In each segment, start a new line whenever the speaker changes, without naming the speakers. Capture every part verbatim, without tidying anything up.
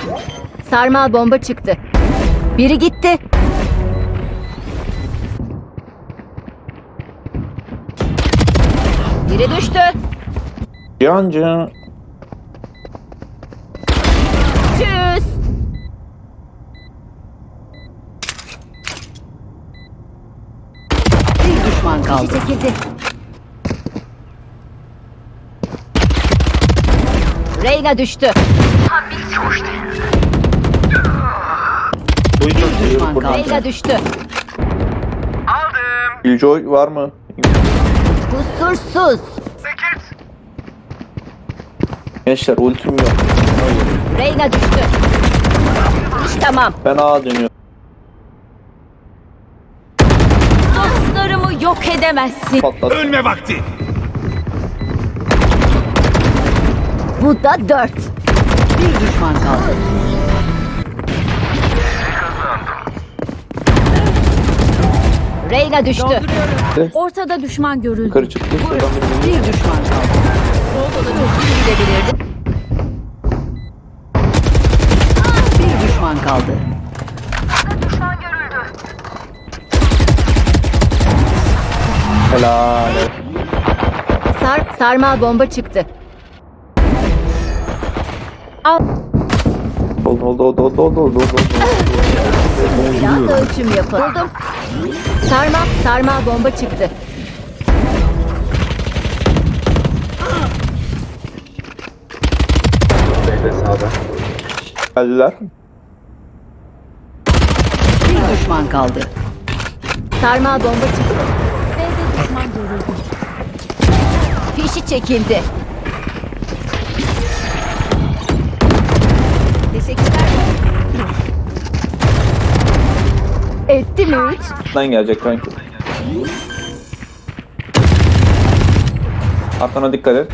Sarmal bomba çıktı. Biri gitti. Biri düştü.
Yancı.
Tschüss.
Bir düşman kaldı.
Çekildi. Reyna düştü.
Boyu çok
düşman
seviyorum buradan.
kaldı.
Reyna düştü.
Killjoy var mı?
Kusursuz.
Gençler ultim yok.
Reyna düştü. İş tamam.
Ben A dönüyorum.
Dostlarımı yok edemezsin.
Patlat.
Ölme vakti.
Bu da dört.
Bir düşman kaldı.
Reyna düştü.
Ortada düşman görüldü.
Yukarı çıktı. Şuradan bir
Bir düşman kaldı.
Gidebilirdi.
Bir düşman kaldı.
helal.
Sar, sarmal bomba çıktı. Al.
Oldu oldu oldu oldu oldu oldu oldu.
Biraz ölçüm yapalım. Sarmal, sarmal bomba çıktı.
Geldiler.
Bir düşman kaldı.
Sarmal bomba çıktı. B'de düşman görüldü. Fişi çekildi. Teşekkürler. Etti mi üç?
Buradan gelecek kanki. Arkana dikkat et.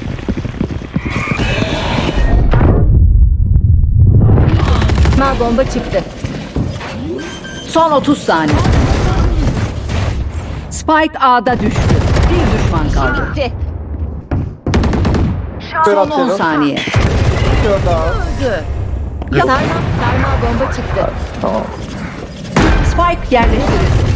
Sarmal bomba çıktı.
Son otuz saniye. Spike A'da düştü. Bir düşman kaldı.
Gitti.
Kör
Son on
atıyorum.
saniye.
Kör daha.
Sarmal, sarmal bomba çıktı.
Tamam.
Spike yerleştirildi.